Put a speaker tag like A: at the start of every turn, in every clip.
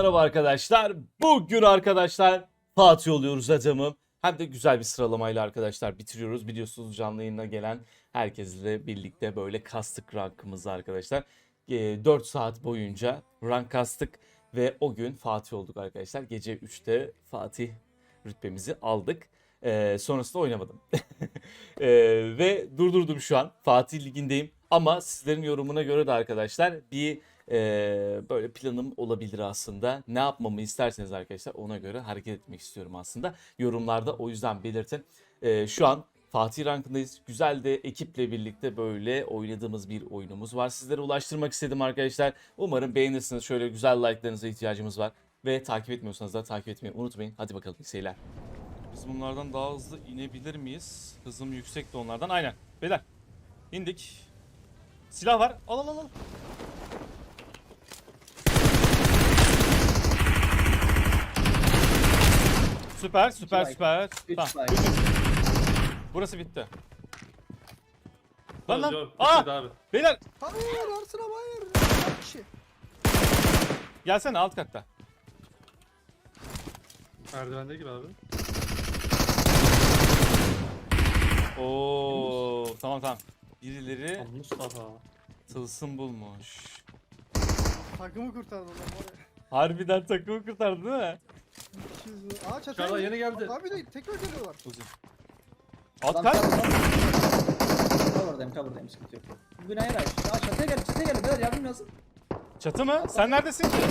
A: merhaba arkadaşlar. Bugün arkadaşlar Fatih oluyoruz adamım. Hem de güzel bir sıralamayla arkadaşlar bitiriyoruz. Biliyorsunuz canlı yayına gelen herkesle birlikte böyle kastık rankımızı arkadaşlar. 4 saat boyunca rank kastık ve o gün Fatih olduk arkadaşlar. Gece 3'te Fatih rütbemizi aldık. Sonrasında oynamadım. Ve durdurdum şu an. Fatih Ligi'ndeyim. Ama sizlerin yorumuna göre de arkadaşlar bir böyle planım olabilir aslında. Ne yapmamı isterseniz arkadaşlar ona göre hareket etmek istiyorum aslında. Yorumlarda o yüzden belirtin. Şu an Fatih rankındayız. Güzel de ekiple birlikte böyle oynadığımız bir oyunumuz var. Sizlere ulaştırmak istedim arkadaşlar. Umarım beğenirsiniz. Şöyle güzel like'larınıza ihtiyacımız var. Ve takip etmiyorsanız da takip etmeyi unutmayın. Hadi bakalım, iyi seyirler. Biz bunlardan daha hızlı inebilir miyiz? Hızım yüksek de onlardan. Aynen. Beyler indik. Silah var. Al al al al. Süper süper
B: like.
A: süper.
B: Üç
A: Tamam.
B: like.
A: Burası bitti.
C: Lan
A: Lan lan.
C: Yok,
A: Aa!
C: bitmedi abi.
A: Beyler
B: Hayır Arslan abi hayır. Kaç kişi?
A: gelsene alt katta.
C: Merdivende gibi abi.
A: Oo tamam tamam. Birileri
C: Lan Mustafa.
A: tılsım bulmuş.
B: Takımı kurtardı lan var ya.
A: Harbiden takımı kurtardı değil mi?
B: 200 Aa çatıya
C: Çağla yeni geldi.
B: Abi de tekrar geliyorlar.
A: Uzun. Alt
B: Lan
A: kat.
B: Cover'dayım sıkıntı yok. Bugün hayır hayır. Aa çatıya geldi beyler yardım lazım.
A: Çatı mı? Sen neredesin ki?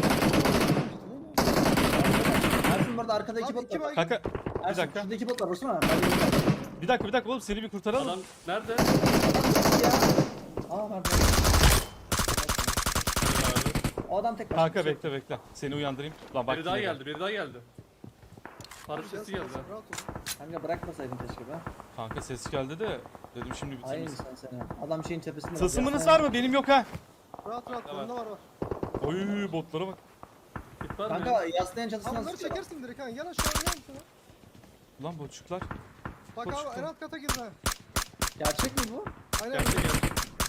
B: Ersin burada arkada iki
D: Abi
B: bot
D: iki
B: var.
D: bay-
A: Kanka
B: Ersin
A: dakika.
B: şurada iki bot var Osman abi.
A: bir dakika oğlum seni bir kurtaralım.
C: Adam nerede?
B: Ya. Aa pardon.
C: Abi.
B: O adam tekrar.
A: Kanka bekle. Seni uyandırayım. Lan bak
C: Biri daha
A: yine
C: geldi, biri daha geldi. Harf sesi geldi. ha.
D: Rahat ol.
B: Kanka bırakmasaydın keşke be.
A: Kanka ses geldi de dedim şimdi
B: Hayır
A: bitiririz.
B: sen. Adam şeyin tepesinde.
A: Tılsımınız var mı? Benim yok ha.
D: Rahat rahat.
C: Tamam.
D: Bunda var var.
A: Oy botlara bak.
C: Git var mı?
B: Kanka yaslayan
D: Abi
B: çatısına
D: bunları
B: sıkıyor.
D: çekersin direkt ha. Gel aşağı gel şuna.
A: Lan botçuklar.
D: Bak
A: Koş,
D: abi
A: koş.
D: en alt kata girdi ha.
B: Gerçek mi bu?
D: Aynen.
C: Geldi geldi.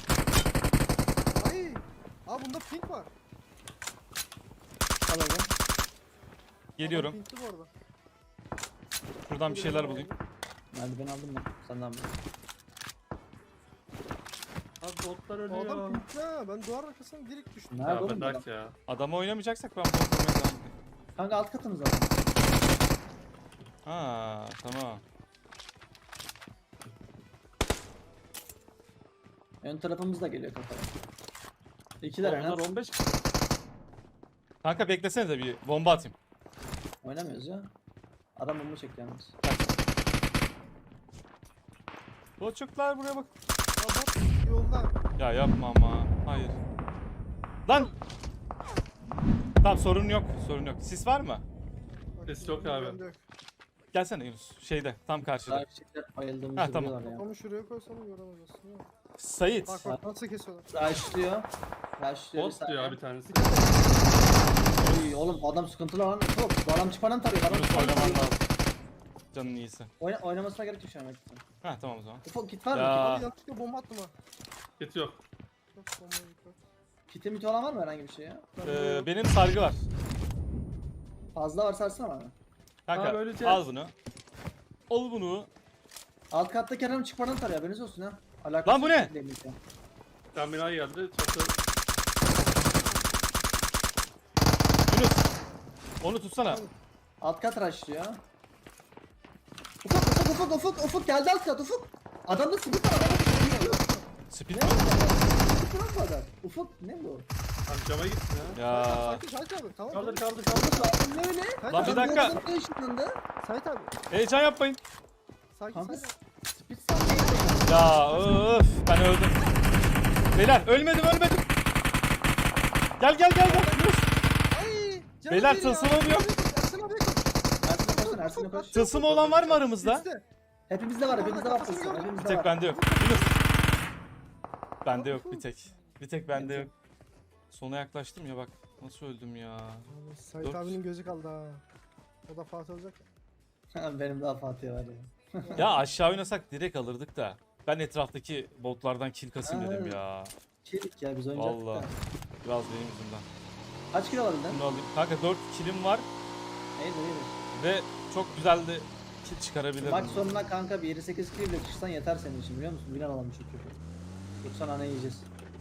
D: Ay. Abi bunda pink var.
B: Alalım.
A: Geliyorum.
D: Adam pinkli bu arada.
A: Buradan bir şeyler bulayım.
B: Hadi ben aldım ben. Senden mi?
C: Abi botlar
D: O adam
C: ölüyor.
D: pinkli ha. Ben duvar arkasına direkt düştüm.
B: Nerede
C: Ya
B: oğlum bu adam?
C: bırak ya.
A: Adamı oynamayacaksak ben bot oynamaya devam edeyim.
B: Kanka alt katımız var.
A: Ha tamam.
B: Ön tarafımız da geliyor kafaya. İkiler
C: Onlar
B: aynen.
C: 15
A: Kanka beklesene de bir bomba atayım.
B: Oynamıyoruz ya. Adam bomba çekti yalnız.
A: Botçuklar buraya bak.
D: Ya bot yolda.
A: Ya yapma ama. Hayır. Lan. Tamam sorun yok. Sis var mı?
D: Bak,
C: Ses yok abi.
D: bende yok.
A: Gelsene Yunus. Şeyde tam karşıda.
B: Daha küçükler
A: Ha,
B: bayıldığımızı
A: tamam.
B: biliyorlar ya.
D: Kafamı şuraya koysam göremez aslında.
A: Sait.
D: Bak nasıl kesiyorlar.
B: Rushlıyor. Rushlıyor bir
C: bot diyor
B: saniye.
C: abi bir tanesi.
B: Oy, oğlum bu adam sıkıntılı lan. Çok. Bu adam çıpanın tarıyor. Adam
A: Yunus
B: çıpanın
A: oynaman
B: tarıyor.
A: lazım. Canın iyisi.
B: Oynamasına gerek yok şu an. Hakikaten.
A: Ha tamam o zaman.
B: Ufak kit var
A: Ya.
B: mı?
D: Abi yanlışlıkla bomba attım ha.
C: Git yok.
D: Çok bombaya dikkat.
B: Kiti miti olan var mı herhangi bir şey ya?
A: Benim sargı var.
B: Fazla var sarsana bana.
A: Kanka
C: Abi öleceğiz.
A: al bunu. Al bunu.
B: Alt kattaki adam çıpanın tarıyor. Haberiniz olsun ha. Alakası
A: Lan bu ne?
B: yok değil ya.
C: Tam bina geldi. Çatı.
A: Yunus. Onu tutsana.
B: Alt kat rushlıyor. Ufuk geldi alt kat Ufuk. Adamda sıkıntı var. Adamda sıkıntı var.
A: Speed.
B: Ne bu adam? Ufuk ne bu?
C: Abi cama gitsin ya.
A: Ya.
D: Sakin Sait abi. Tamam.
C: Kaldır
D: tamam.
C: kaldır kaldır.
B: Lan ne öyle?
D: Sait
A: Lan
D: abi.
A: bir dakika.
B: Bu adam ışınlandı.
D: Sait abi.
A: Heyecan yapmayın.
D: Sakin
B: Kanka
D: Sait abi.
B: speed sandalye.
A: Ya öf ben öldüm. Beyler ölmedim. Gel. Yunus.
D: Ay. canım
A: Beyler,
D: bir ya.
A: tılsımım yok.
D: Ersin abi koş.
B: Ersin'e koş.
A: Tılsımı olan var mı aramızda?
D: İşte.
B: Hepimizde var tılsım.
D: Kafasını gördüm.
A: Bir
B: Hepimizde
A: tek
B: var.
A: bende yok. Yunus. Bende yok bir tek. Bir tek bende yok. Sona yaklaştım ya bak. Nasıl öldüm ya.
D: Sait
A: Dört.
D: abinin gözü kaldı ha. O da Fatih olacak.
B: Benim daha Fatih var ya.
A: Ya aşağı oynasak direkt alırdık da. Ben etraftaki botlardan kill kasayım dedim ya.
B: Çelik ya biz oynayacaktık
A: Vallahi.
B: da.
A: Biraz benim yüzümden.
B: Kaç kilo alabildin?
A: Bunu alayım. Kanka 4 kilim var
B: İyidir iyidir.
A: ve çok güzel de kill çıkarabilirim.
B: Maç sonuna kanka bir 7-8 kilo bile çıksan yeter senin için biliyor musun? Bilen alalım çünkü. Yoksa nane yiyeceğiz.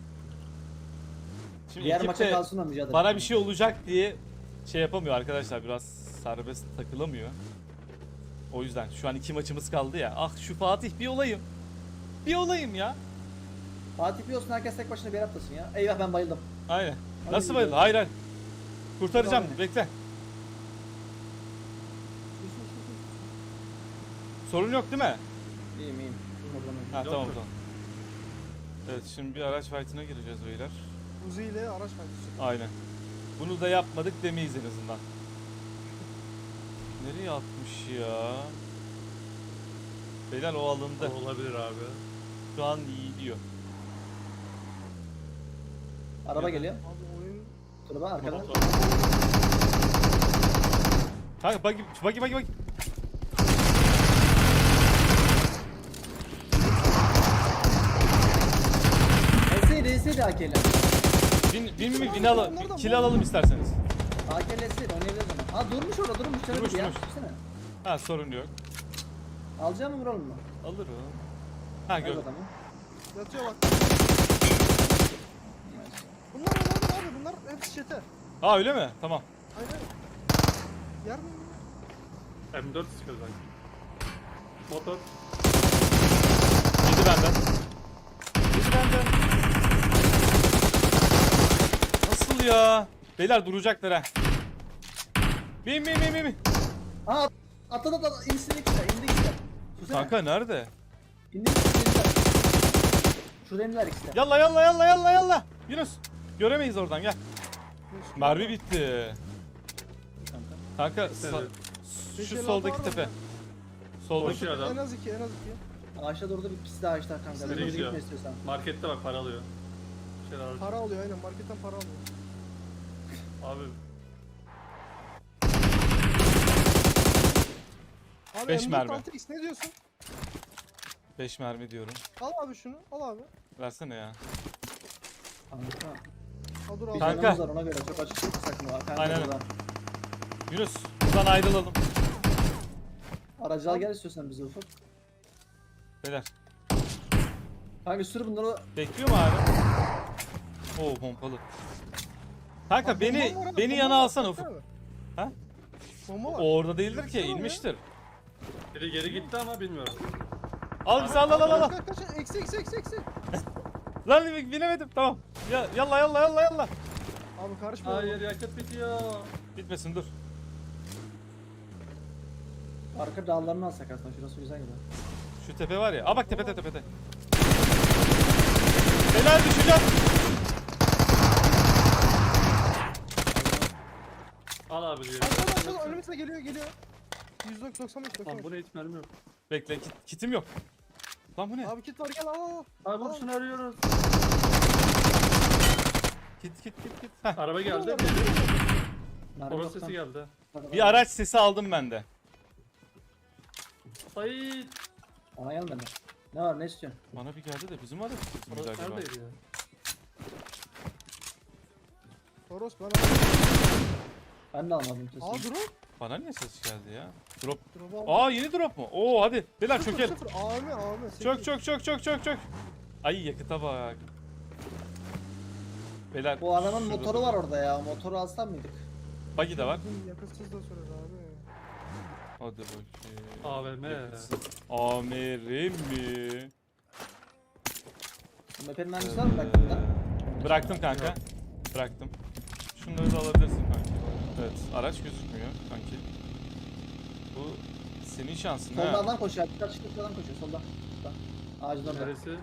A: Şimdi
B: Diğer
A: ekip
B: maça
A: de
B: kalsın da mücadele.
A: bana bir şey olacak diye şey yapamıyor arkadaşlar. Biraz serbest takılamıyor. O yüzden şu an 2 maçımız kaldı ya. Ah şu Fatih bir olayım. Bir olayım ya.
B: Fatih bir olsun herkes tek başına bir yer atlasın ya. Eyvah ben bayıldım.
A: Aynen.
B: Hadi
A: Nasıl
B: gidelim.
A: bayıldın? Hayır hayır. Kurtaracağım.
B: Devam
A: Bekle. Sorun yok değil mi?
B: İyiyim iyiyim.
A: Ha
C: Yok,
A: tamam
C: yok.
A: tamam. Evet şimdi bir araç fight'ına gireceğiz beyler.
D: Uzi ile araç paylaşıyor.
A: Aynen. Bunu da yapmadık demeyiz en azından. Nereye atmış ya? Beyler o alındı.
C: Olabilir abi.
A: Şu an iyi diyor.
B: Araba geliyor.
D: Abi oyun
B: Turba arkadan.
C: Motor.
A: Kanka bagi.
B: Enseydi AK'yle.
A: Bin alalım. Kill alalım isterseniz.
B: AK'yle enseydi oynayabiliriz ama. Ha durmuş orada durmuş.
A: Durmuş,
B: Durmuş ya.
A: durmuş.
B: Düşünsene.
A: Ha sorun yok.
B: Alacağım mı vuralım mı?
A: Alırım. Ha
B: Gör
A: gör.
B: adamı.
D: yatıyor bak. Bunlar abi bunlar hepsi çete.
A: Ha öyle mi? Tamam.
D: Aynen. Yer mi?
C: M4 sıkıyor sanki. Motor.
A: Yedi benden. Yedi benden. Nasıl ya? Beyler duracaklar ha. Bin.
B: Aa atladı İndi ikisi de. Susana.
A: Kanka nerede?
B: İndi indiler. Şurada indiler ikisi de.
A: Yalla. Yunus. Göremeyiz oradan gel. Mermi bitti. Kanka
C: Evet.
A: şu
D: Beş elli
A: soldaki
D: altı var
A: tepe.
D: mı?
A: Soldaki.
C: Koşuyor adam.
D: En az iki.
B: Ağaçta durdu bir ikisi de ağaçta kanka.
C: Nereye
B: Nereye
C: gidiyor?
B: gitme istiyorsan.
C: Markette bak para alıyor. Bir şeyler alıyor.
D: Para alıyor aynen marketten para alıyor.
C: Abi
D: Abi
A: Beş
D: M4
A: mermi.
D: 6x ne diyorsun?
A: 5 mermi diyorum.
D: Al abi şunu al abi.
A: Versene ya.
B: Kanka.
D: Al dur
B: Bir
D: al.
A: Kanka.
B: canımız var ona göre çok açık sakın var. Kanka
A: Aynen.
B: burada.
A: Yunus buradan ayrılalım.
B: Aracı al gel istiyorsan bize ufak.
A: Beyler.
B: Kanka sür bunları.
A: Bekliyor mu abi? Oo pompalı. Kanka
D: Bak, bomba var
A: beni
D: abi,
A: beni
D: bomba
A: yana
D: var,
A: alsana
D: baksana
A: Ufuk.
D: abi.
A: Ha?
D: Bomba var.
A: O orada değildir ki
D: Baksana ya.
A: inmiştir.
C: biri geri gitti ama bilmiyorum.
A: Al bizi al.
D: Kaç eksi.
A: Lan binemedim tamam. Ya yalla.
D: Abi karışma.
C: Hayır yakıt bitiyor.
A: Bitmesin dur.
B: Arka dağlarını alsak aslında şurası güzel gibi.
A: Şu tepe var ya. Aa bak tepede. Helal düşeceğim.
C: Al abi diyor.
D: Aşağıda önümüzde geliyor. 195
C: Lan bu ne hiç mermi yok.
A: Bekle kitim yok. Lan bu ne?
D: Abi kit var gel al.
C: Abi bunu arıyoruz.
A: Kit. Heh.
C: Araba geldi.
B: Mermi
C: Horoz
B: yok
C: sesi
B: lan.
C: geldi.
A: Bir araç sesi aldım ben de.
C: Ay.
B: Bana gelmedi. Ne var ne istiyorsun?
A: Bana bir geldi de bizim araç sesi miydi
C: Horoz
A: acaba?
C: neredeydi ya?
D: Toros bana.
B: Ben de almadım sesini.
D: Aa drop.
A: Bana niye ses geldi ya? Drop.
D: Drop al.
A: Aa yeni drop mu? Oo hadi. Beyler çökelim.
D: Abi.
A: Çök. Ay yakıta bak. Beyler.
B: Bu adamın
A: şurada
B: motoru
A: dur.
B: var orada ya. Motoru alsam mıydık?
A: Buggy de var.
D: Yakıtsız da sürer abi.
A: Hadi bakayım.
C: AVM.
A: Yakıtsız. Amirim mi?
B: Bu mepenin mermisi var mı baktın da?
A: Bıraktım kanka. Bıraktım. Şunları da alabilirsin kanki. Evet araç gözükmüyor kanki. Bu senin şansın
B: Solda
A: ha.
B: adam koşuyor. Dikkat çıkıp adam koşuyor solda. Solda. Ağacın orada.
C: Neresi?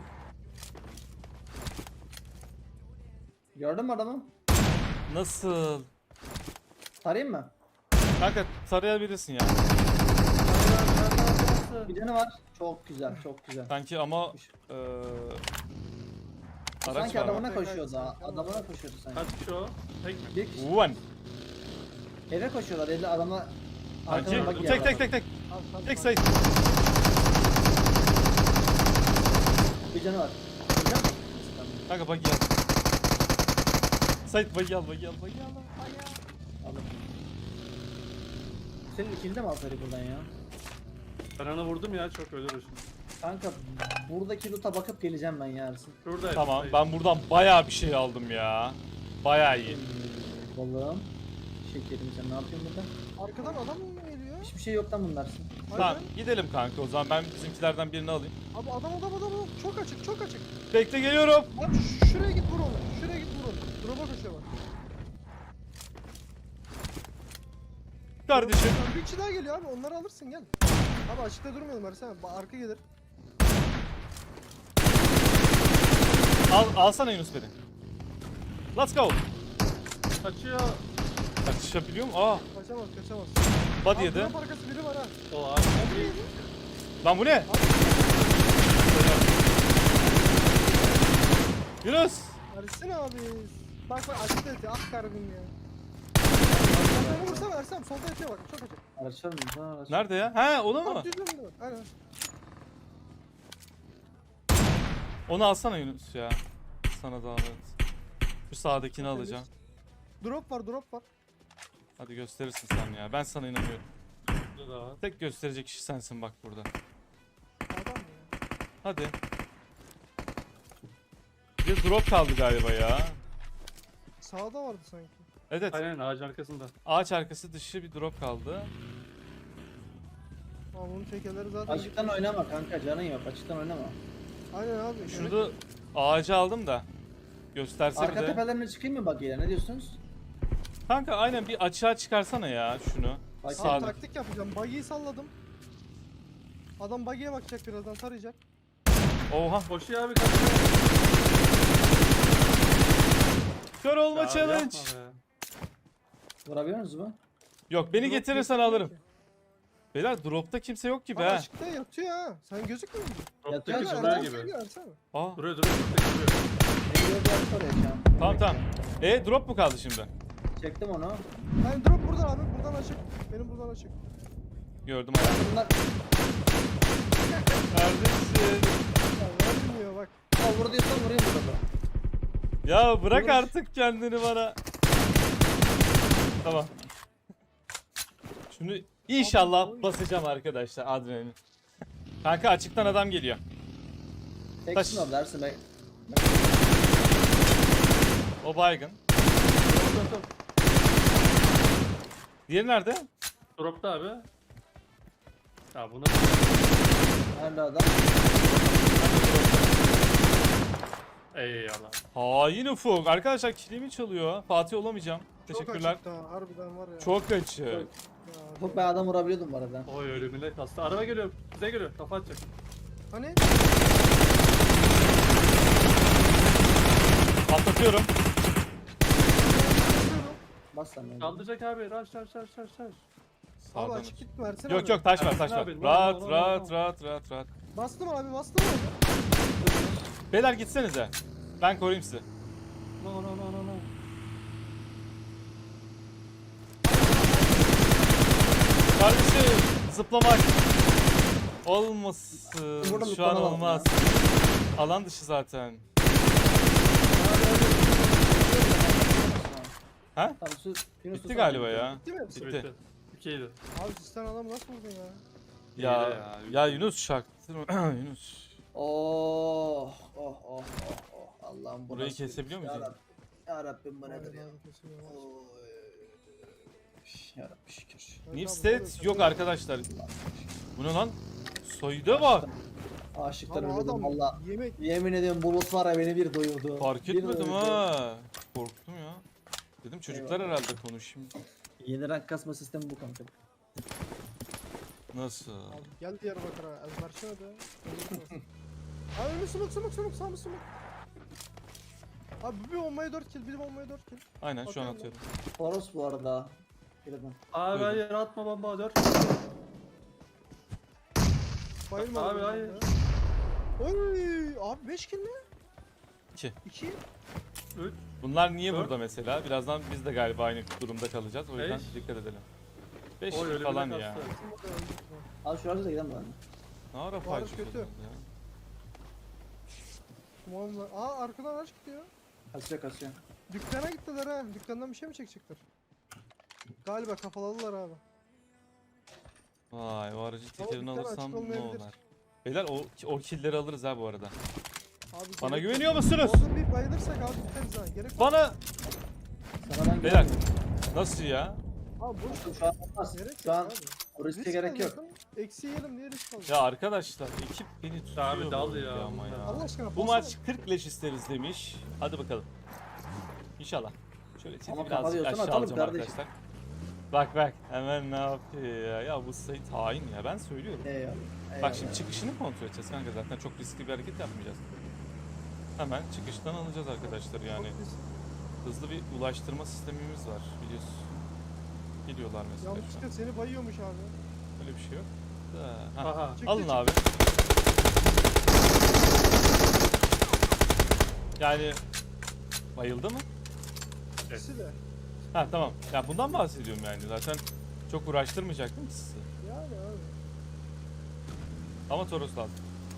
B: Gördün mü adamı?
A: Nasıl?
B: Tarayayım mı?
A: Kanka tarayabilirsin ya.
B: Bir canı var. Çok güzel, çok güzel.
A: Kanki ama araç
B: Sanki
A: var mı?
B: adamına koşuyordu ha. Adamına koşuyordu sanki.
C: Kaç kişi o? Tek mi?
B: Bir kişi.
A: Ulan.
B: Eve koşuyorlar. Evde adamla
A: Kanki
B: arkadan bak
A: tek. Tek sayı.
B: Bir canı var. Vuracak mı?
A: Kanka bak ya. Sait bagi al bagi al bagi al.
B: Aldım. Senin ikini de mi alsaydık buradan ya?
C: Ben ona vurdum ya, çok ölür o şimdi.
B: Kanka buradaki loot'a bakıp geleceğim ben yarısın.
C: Şuradaydı.
A: Tamam
C: hayır.
A: ben buradan bayağı bir şey aldım ya. Bayağı iyi.
B: Balığım. Şekerim sen ne yapıyorsun burada?
D: Arkadan adam mı geliyor?
B: Hiçbir şey yoktan bunlarsın.
A: Tamam
D: Aynen.
A: gidelim kanka o zaman ben bizimkilerden birini alayım.
D: Abi adam. Çok açık çok açık.
A: Bekle geliyorum.
D: Abi şuraya git vur onu. Şuraya git vur onu. Drop'a koşuyor bak.
A: Kardeşim.
D: Bir kişi daha geliyor abi. Onları alırsın gel. Abi açıkta durmayalım Ersen. Arka gelir.
A: Alsana Yunus beni. Let's go.
C: Kaçıyor.
A: Kaçışabiliyor mu? Aa,
D: Kaçamaz.
A: body
D: Abi
A: yedi.
D: drop arkası biri var ha.
C: O abi.
D: Biri yedi.
A: Lan bu ne? Yunus.
D: Ersen abi. Bak açıkta yatıyor. Ah karabim ya. Beni vursana Ersen. Solda yatıyor bak. Çok açık.
B: Araçlar mı? Sana araç.
A: Nerede ya? He onu mu?
D: Abi düz önünde bak. Aynen.
A: Onu alsana Yunus ya. Sana zahmet. Şu sağdakini alacağım.
D: Drop var.
A: Hadi gösterirsin sen ya. Ben sana inanıyorum.
C: Burada da var.
A: Tek gösterecek kişi sensin bak burada.
D: Adam ya.
A: Hadi. Bir drop kaldı galiba ya.
D: Sağda vardı sanki.
A: Evet.
C: Aynen ağacın arkasında.
A: Ağaç arkası dışı bir drop kaldı.
D: Ama bunun tekerleri zaten...
B: Açıktan oynama kanka canın yok. Açıktan oynama.
D: Aynen abi.
A: Şurada ağacı aldım da. Gösterse bir
B: Arka
A: de.
B: tepelerine çıkayım mı bak ne diyorsunuz?
A: Kanka aynen bir açığa çıkarsana ya şunu.
B: Bak,
D: Abi
A: Sağda.
D: taktik yapacağım. Buggy'yi salladım. Adam buggy'ye bakacak birazdan tarayacak.
A: Oha.
C: Koşuyor abi, kaçıyor.
A: Kör olma
C: Ya
A: challenge.
C: yapma be.
B: Vurabiliyor musunuz mu?
A: Yok beni
D: Drop
A: getirirsen
D: yok
A: alırım.
D: ki.
A: Beyler dropta kimse yok gibi
D: Abi
A: ha.
D: açıkta yatıyor ha. Sen gözükmüyor musun?
C: Drop'taki
B: Yatıyor
C: duruyor
B: da
C: gibi.
A: Aa.
C: Duruyor. Drop'taki duruyor.
B: Geliyor bir açı oraya şu an.
A: Tamam. Drop mu kaldı şimdi?
B: Çektim onu.
D: Yani drop buradan abi. Buradan açık. Benim buradan açık.
A: Gördüm ayağı.
B: Bunlar...
A: Kardeşim.
D: Ya vermiyor bak.
B: Aa vur diyorsan vurayım burada.
A: Ya bırak
B: Yunus.
A: artık kendini bana. Tamam. Şunu inşallah basacağım arkadaşlar adrenalin. Kanka açıktan adam geliyor.
B: Teksin orada Ersin Bey.
A: O baygın.
C: Drop.
A: Diğeri nerede?
C: Drop'ta abi. Ya bunu
B: Nerede adam?
C: eyvallah.
A: Hain ufuk. Arkadaşlar kilimi çalıyor. Fatih olamayacağım.
D: Çok
A: Teşekkürler.
D: açıkta. Harbiden var ya.
A: Çok açık.
D: Ya,
B: Çok ben adam vurabiliyordum bu arada.
C: Oy ölümüne kastı. Araba geliyor. Bize geliyor. Kafa atacak.
D: Hani?
A: Patlatıyorum.
B: Bas sen beni.
C: Kaldıracak abi. Rush.
D: Abi
A: Sağdan.
D: açık gitme Ersen
A: Yok
D: abi.
A: yok taş var
C: Ersin
A: taş var.
C: abi, no,
A: Rahat
C: no, no,
A: rahat
C: no.
A: rahat.
D: Bastım abi.
A: Beyler gitsenize. Ben koruyayım sizi.
C: No.
A: Kardeşim zıplamak olmasın.
B: Burada
A: Şu an
B: zıplanamam
A: olmaz. Alan dışı zaten. Ha?
B: Tamam, Yunus
A: Bitti galiba ya.
D: Bitti mi?
A: Bitti.
C: Bitti. 2'ydi.
D: Abi sizden adam nasıl vurdun ya?
A: Ya
C: İyi de ya.
A: ya Yunus şaktırma. Yunus.
B: Oh. Allah'ım bu
A: Burayı
B: nasıl bir
A: kesebiliyor
B: iş?
A: muyuz?
B: Ya Rabbim bu nedir ya?
D: Aynen abi, kesin ya.
B: Oy. Ya Rabbi şükür.
A: New
D: Abi,
A: state
D: abi,
A: yok
D: abi.
A: arkadaşlar. Bu ne lan? Soyda bak.
B: Aşıktan
D: Abi
B: ölüyordum
D: adam
B: valla.
D: yemek
B: Yemin ediyorum bulut var ya beni bir doyurdu.
A: Fark
B: Bir
A: etmedim
B: doyurdu.
A: ha. Korktum ya. Dedim çocuklar
B: Eyvallah.
A: herhalde konuşayım.
B: Yeni rank kasma sistemi bu kanka.
A: Nasıl?
D: Abi gel Diyarbakır'a ezberçene de. Abi önü sumuk sağ mı sumuk? Abi bir bombaya 4 kill, bir bombaya 4 kill.
A: Aynen şu an
D: Bakıyorum
A: atıyorum.
B: Toros bu arada. Birden.
C: Abi
A: Buyurun.
C: hayır atma bomba 4.
D: Bayılmadım.
C: Abi,
D: ben
C: hayır.
D: ya. Oy abi 5 kill mi?
A: 2.
D: 2.
C: 3.
A: Bunlar niye
C: Dört.
A: burada mesela? Birazdan biz de galiba aynı durumda kalacağız. O yüzden
C: Beş.
A: dikkat edelim. 5
C: Oy ölümüne
A: falan
C: kastı.
A: ya.
B: Al şu arada gidelim ben.
A: Ne ara
D: Varız
A: paylaşıyorsun
D: kötü.
A: ya?
D: Aa arkadan araç gidiyor.
B: Kasıyor.
D: Dükkana gittiler ha. Dükkandan bir şey mi çekecekler? Galiba kafaladılar abi.
A: Vay, o aracı tekerini
D: dükkan açık
A: alırsam ne
D: olmayabilir.
A: olur? Beyler o killleri alırız ha bu arada.
D: Abi
A: Bana
D: gerek
A: güveniyor
D: yok.
A: musunuz?
D: Orada bir bayılırsak abi tutarız ha. Gerek yok.
A: Bana
B: Sana ben
A: beyler
B: güvenmiyorum.
A: nasıl ya?
D: Abi boş ver.
B: Şu an olmaz.
D: Gerek
B: Şu
D: yok
B: an
D: abi.
B: o riske
D: Risk
B: gerek yok.
D: alıyorsun, eksi yiyelim diye risk alıyorsun.
A: Ya arkadaşlar ekip beni tutuyor
C: Abi dal
A: böyle
C: ya
A: ama
C: bunlar.
A: ya.
D: Allah aşkına
A: Bu
D: basma.
A: maç 40 leş isteriz demiş. Hadi bakalım. İnşallah. Şöyle chat'i
B: Ama
A: birazcık
B: kapatıyorsan
A: aşağı
B: atalım
A: alacağım
B: kardeşim.
A: arkadaşlar. Bak hemen ne yapıyor ya? Ya bu Sait hain ya, ben söylüyorum.
B: Eyvallah.
A: Bak
B: eyvallah.
A: şimdi çıkışını kontrol edeceğiz kanka, zaten çok riskli bir hareket yapmayacağız. Hemen çıkıştan alacağız arkadaşlar yani.
D: Çok risk.
A: Hızlı bir ulaştırma sistemimiz var biliyorsun. Geliyorlar mesela şu an.
D: Yanlışlıkla seni bayıyormuş abi.
A: Öyle bir şey yok. Da, ha.
C: Aha.
D: Çıktı,
A: Alın
D: çıktı.
A: abi. Yani bayıldı mı?
D: İkisi de.
A: Ha tamam. Ya bundan bahsediyorum yani. Zaten çok uğraştırmayacaktım ki sizi.
D: Yani abi.
A: Ama Toros lazım.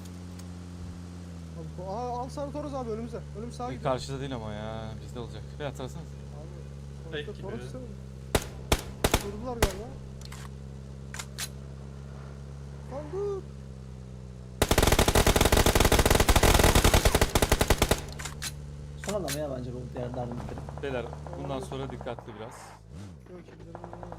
D: Abi, al sarı toros abi önümüze. Önüm sağa gidiyor.
A: Karşıda değil ama ya. Bizde olacak. Ve hatırlasanız.
D: Abi.
C: Tek
D: Toros
C: gibi.
D: toros istemedim. Durdular galiba. Lan dur.
B: Son adam ya bence bu diğerlerden biri.
A: Beyler bundan sonra dikkatli biraz.
D: Yok ki gidelim.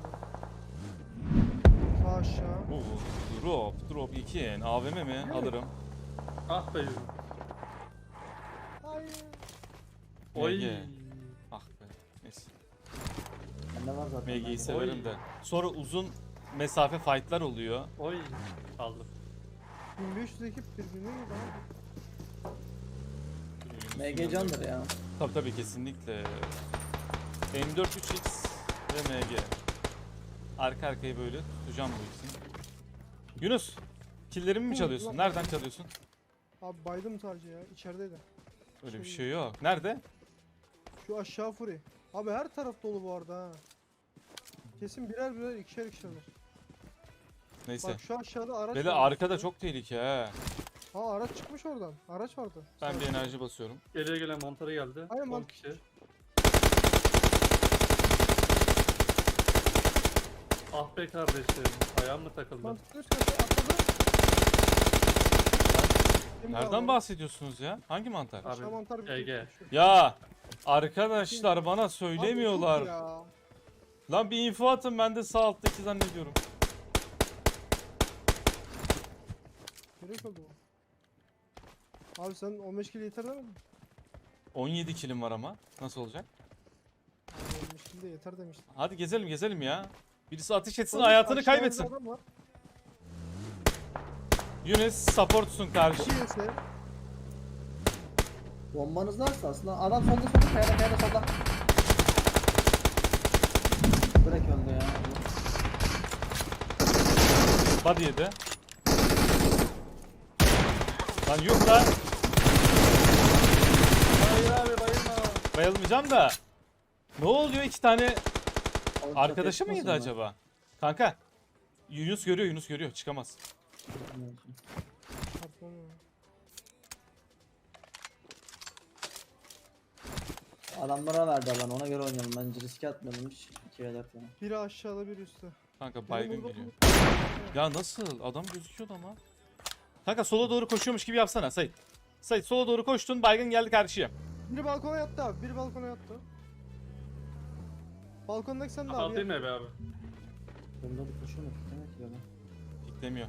D: Sağ aşağı.
A: Oo, drop 2 AVM mi? Alırım.
C: Ah be yürü.
D: Hayır.
C: Oy.
A: MG. Ah be. Neyse.
B: Bende var zaten.
A: MG'yi
B: bende.
A: severim de. Sonra uzun mesafe fight'lar oluyor.
C: Oy. Aldım.
D: 1500 ekip birbirine girdi abi.
B: MG candır ya.
A: Tabii kesinlikle. M4 3X ve MG. Arka arkaya böyle tutacağım bu ikisini. Yunus, killerimi mi çalıyorsun? Nereden çalıyorsun?
D: Abi baydım sadece ya. İçerideydi.
A: Öyle bir şey yok. Nerede?
D: Şu aşağı furi. Abi her taraf dolu bu arada ha. Kesin birer birer ikişer ikişerler.
A: Neyse.
D: Bak şu aşağıda araç
A: Beyler
D: var.
A: arkada çok tehlike ha.
D: Ha araç çıkmış oradan. Araç vardı.
A: Ben bir enerji basıyorum.
C: Geriye gelen mantarı geldi.
D: Aynen,
C: 10
D: mant-
C: kişi. Ah be kardeşim. Ayağım mı takıldı?
D: Mantıklı üst katı atladı. Şimdi
A: Nereden
D: aldım.
A: bahsediyorsunuz ya? Hangi mantar?
C: Abi,
D: Aşağı mantar bir
C: Ege.
D: şey. Şu-
A: Ya arkadaşlar bana
D: Abi
A: söylemiyorlar.
D: yok ya.
A: Lan bir info atın, ben de sağ alttaki zannediyorum.
D: Gerek oldu bu. Abi sen 15 kilo yeter demedin mi?
A: 17 kilim var ama. Nasıl olacak?
D: Abi 15 kilo de yeter demiştin.
A: Hadi gezelim ya. Birisi ateş etsin,
D: Oğlum,
A: hayatını
D: aşağıda
A: kaybetsin.
D: adam var.
A: Yunus supportsun karşı.
D: İki yese.
B: Bombanız varsa aslında adam solda kayada solda. Bırak öldü ya.
A: Body yedi. Lan yok lan.
C: Hayır abi bayılma.
A: Bayılmayacağım da. Ne oluyor, iki tane
B: Oğlum,
A: arkadaşı
B: çok
A: mıydı
B: yakmasın
A: acaba? Kanka. Yunus görüyor, çıkamaz.
B: lan.
D: Çarpma ya.
B: Adamlara verdi alan ona göre oynayalım bence riske atmayalım hiç. 2 ve 4 yani.
D: Biri aşağıda biri üstte.
A: Kanka baygın
D: burada
A: geliyor. Ya nasıl? Adam gözüküyordu ama. Kanka sola doğru koşuyormuş gibi yapsana Sait. Sait sola doğru koştun, baygın geldi karşıya.
D: Biri balkona yattı abi. Biri balkona yattı. Balkondaki sen de abi.
C: Kapatayım mı be abi?
B: Bunda bir koşu mu? Demek ki böyle.
A: Piklemiyor.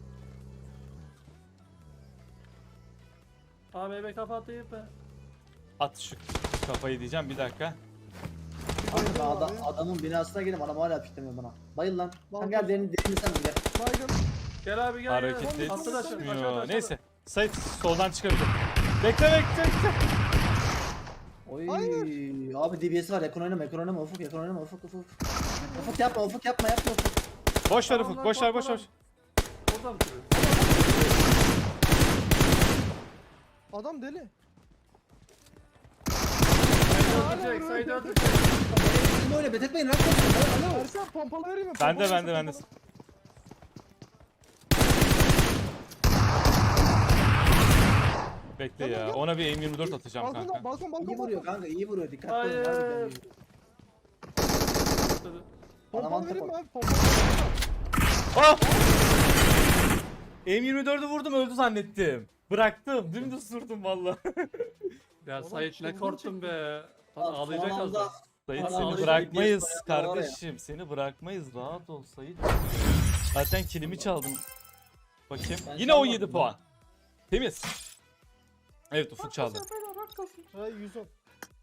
C: Abi eve kapatayım be.
A: At şu kafayı diyeceğim, bir dakika.
B: Abi ben
D: Bayıldım abi.
B: adamın binasına girdim adam hala piklemiyor bana. Bayıl lan.
D: Balkon-
B: Sen gel derini sen gel.
D: Baygın.
C: Gel abi gel.
A: Hareket
C: gel. Atladı aşağı,
A: etmiyor.
C: aşağıda.
A: Neyse. Sait soldan çıkabilir. Bekle.
B: Oy
D: Hayır.
B: abi DBS var yakın oynama ufuk yakın oynama ufuk. Ufuk yapma ufuk.
A: Boş ver
C: Tamam
A: Ufuk,
C: lan,
A: boş ver.
C: korkma lan. Orada mı duruyor?
D: Adam deli.
C: Saydı öldürecek, saydı öldürecek.
B: Şimdi öyle betetmeyin lan. Alo.
D: Ersen pompalı vereyim mi?
A: Bende,
D: Pompalı
A: bende.
D: versin, pompalı.
A: Bekle
D: Gel,
A: ya.
D: gel.
A: Ona bir M24 atacağım
D: Balkon,
A: kanka.
D: balkon, balkon,
B: İyi vuruyor
D: balkon.
B: kanka, iyi vuruyor. Dikkatli olun.
C: Hayır.
B: harbiden iyi.
D: Pompalı
B: Aman
D: vereyim mi
B: tapa.
D: abi? Pompalı.
A: Ah! M24'ü vurdum öldü zannettim. Bıraktım. Dümdüz durdum valla.
C: Ya
D: Oğlum,
C: Sait ne
D: çılgın
C: korktun be. Lan
B: Son
C: ağlayacak az
B: anda-
C: daha.
A: Sait
B: Ana
A: seni
B: ağlayacak
A: bırakmayız
B: diye soyanlar var ya.
A: kardeşim. Seni bırakmayız. Rahat ol Sait. Zaten kilimi çaldım. Bakayım.
B: Ben
A: Yine 17
B: çalmadım
A: puan. Temiz. Evet Ufuk çaldı.
D: Ay 110.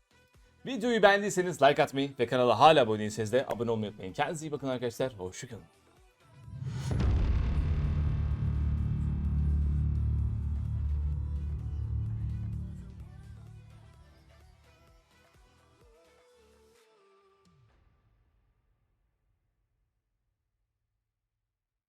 A: Videoyu beğendiyseniz like atmayı ve kanala hala abone değilseniz de abone olmayı unutmayın. Kendinize iyi bakın arkadaşlar. Hoşçakalın.